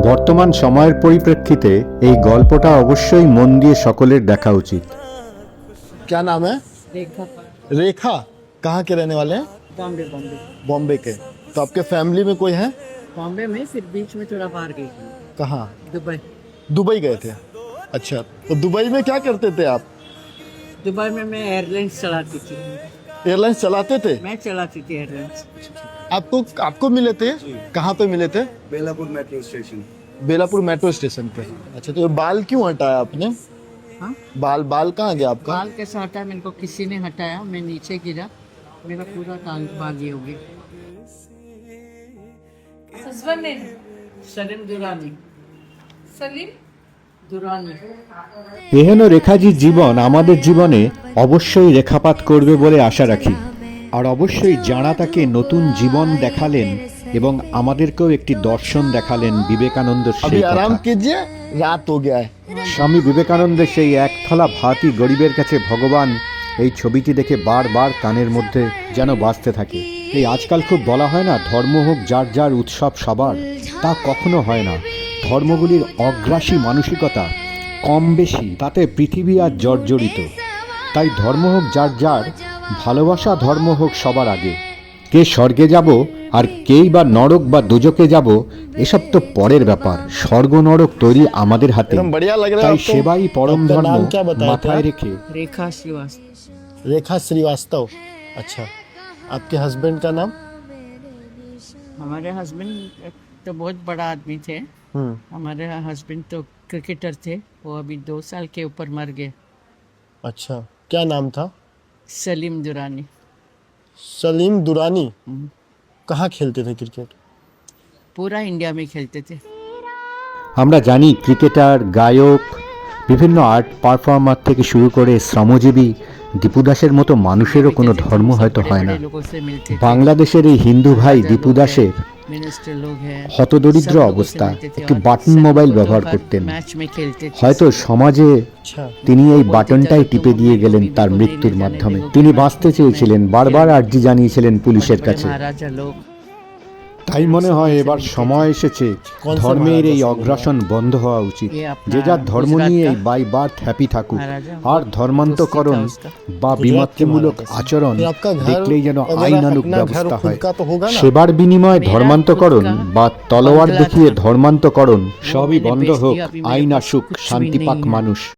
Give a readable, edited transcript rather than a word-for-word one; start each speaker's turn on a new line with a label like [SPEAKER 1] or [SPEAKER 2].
[SPEAKER 1] বর্তমান সময়ের পরিপ্রেক্ষিতে এই গল্পটা অবশ্যই মন দিয়ে সকলের দেখা উচিত।
[SPEAKER 2] क्या नाम है?
[SPEAKER 3] रेखा।
[SPEAKER 2] रेखा। कहाँ के रहने वाले हैं?
[SPEAKER 3] बॉम्बे बॉम्बे।
[SPEAKER 2] बॉम्बे के। तो आपके फैमिली में कोई है?
[SPEAKER 3] बॉम्बे में फिर बीच में थोड़ा बाहर गई थी,
[SPEAKER 2] कहाँ?
[SPEAKER 3] दुबई।
[SPEAKER 2] दुबई गए थे। अच्छा, तो दुबई में क्या करते थे आप?
[SPEAKER 3] दुबई में मैं एयरलाइंस चलाती थी।
[SPEAKER 2] एयरलाइंस चलाते थे?
[SPEAKER 3] मैं चलाती थी एयरलाइंस।
[SPEAKER 2] आपको आपको मिले थे? कहाँ पे मिले थे?
[SPEAKER 4] Belapur metro station.
[SPEAKER 2] Belapur metro station पे। अच्छा, तो ये बाल क्यों हटाया आपने?
[SPEAKER 3] हाँ,
[SPEAKER 2] बाल कहाँ गया आपका?
[SPEAKER 3] बाल कैसे हटाया? मेरे को किसी ने हटाया, मैं नीचे गिरा, मेरा पूरा बाल ये हो गया।
[SPEAKER 5] Husband name?
[SPEAKER 3] सलीम दुरानी।
[SPEAKER 5] Salim?
[SPEAKER 3] दुरानी।
[SPEAKER 1] এহেন রেখাজির জীবন আমাদের জীবনে অবশ্যই রেখাপাত করবে বলে আশা রাখি। আর অবশ্যই যাঁরা তাকে নতুন জীবন দেখালেন এবং আমাদেরকেও একটি দর্শন দেখালেন বিবেকানন্দের
[SPEAKER 2] अभी
[SPEAKER 1] সেই
[SPEAKER 2] आराम
[SPEAKER 1] কথা।
[SPEAKER 2] कीजिए, रात हो गया है।
[SPEAKER 1] স্বামী বিবেকানন্দের সেই এক থালা ভাতই গরিবের কাছে ভগবান, এই ছবিটি দেখে বারবার কানের মধ্যে যেন বাজতে থাকে। এই আজকাল খুব বলা হয় না, ধর্ম হোক যার যার উৎসব সবার, তা কখনো হয় না। ধর্মগুলির অগ্রাসী মানসিকতা কম বেশি তাতে পৃথিবী আর জর্জরিত। তাই ধর্ম হোক যার যার, ভালোবাসা ধর্ম হোক সবার আগে। কে স্বর্গে যাব আর কেই বা নরক বা দোজকে যাব এসব তো পরের ব্যাপার। স্বর্গ নরক তৈরি আমাদের হাতে।
[SPEAKER 2] एकदम बढ़िया लग रहा है
[SPEAKER 1] তাই
[SPEAKER 2] आपको।
[SPEAKER 1] সেবাই পরম
[SPEAKER 2] आपका
[SPEAKER 1] ধর্ম
[SPEAKER 2] नाम क्या बताया
[SPEAKER 1] মাথায়
[SPEAKER 2] था?
[SPEAKER 1] রেখে
[SPEAKER 3] रेखा श्रीवास्तव।
[SPEAKER 2] रेखा श्रीवास्तव। अच्छा, आपके हस्बैंड का नाम?
[SPEAKER 3] हमारे हस्बैंड तो बहुत बड़ा आदमी थे। हमारे हस्बैंड तो क्रिकेटर थे, वो अभी 2 साल के ऊपर मर गए।
[SPEAKER 2] अच्छा, क्या नाम था?
[SPEAKER 3] सलीम दुरानी।
[SPEAKER 2] सलीम दुरानी। कहाँ खेलते थे क्रिकेट?
[SPEAKER 3] पूरा इंडिया में खेलते थे।
[SPEAKER 1] আমরা জানি ক্রিকেটার, গায়ক, বিভিন্ন আর্ট পারফর্মার থেকে শুরু করে শ্রমজীবী দীপু দাসের মতো মানুষেরও কোনো ধর্ম হয়তো হয় না।
[SPEAKER 3] लोगों से मिलते थे।
[SPEAKER 1] বাংলাদেশের এই হিন্দু ভাই দীপু দাসের
[SPEAKER 3] मिनिस्टर लोग हैं,
[SPEAKER 1] হতদরিদ্র
[SPEAKER 3] सब लोगों से
[SPEAKER 1] অবস্থা,
[SPEAKER 3] मिलते थे
[SPEAKER 1] একটি
[SPEAKER 3] और
[SPEAKER 1] বাটন
[SPEAKER 3] सब
[SPEAKER 1] মোবাইল
[SPEAKER 3] लोग
[SPEAKER 1] ব্যবহার
[SPEAKER 3] हर
[SPEAKER 1] করতেন।
[SPEAKER 3] मैच में खेलते थे।
[SPEAKER 1] হয়তো সমাজে
[SPEAKER 2] अच्छा,
[SPEAKER 1] তিনি এই বাটনটাই টিপে দিয়ে গেলেন তার মৃত্যুর মাধ্যমে। তিনি বাঁচতে চেয়েছিলেন, বারবার আর্জি জানিয়েছিলেন পুলিশের
[SPEAKER 3] बड़े
[SPEAKER 1] কাছে।
[SPEAKER 3] महाराजा लोग।
[SPEAKER 1] তাই মনে হয় এবার সময় এসেছে ধর্মের এই অগ্রাসন বন্ধ হওয়া উচিত। যে যার ধর্ম নিয়ে বাই বার্থ হ্যাপি থাকুক। আর ধর্মান্তকরণ বা বিমাতৃমূলক আচরণ দেখলেই যেন আইনানুগ ব্যবস্থা হয়।
[SPEAKER 2] का तो होगा ना।
[SPEAKER 1] সেবার বিনিময়ে ধর্মান্তকরণ বা তলোয়ার দেখিয়ে ধর্মান্তকরণ সবই বন্ধ হোক। আইন আসুক, শান্তি পাক মানুষ।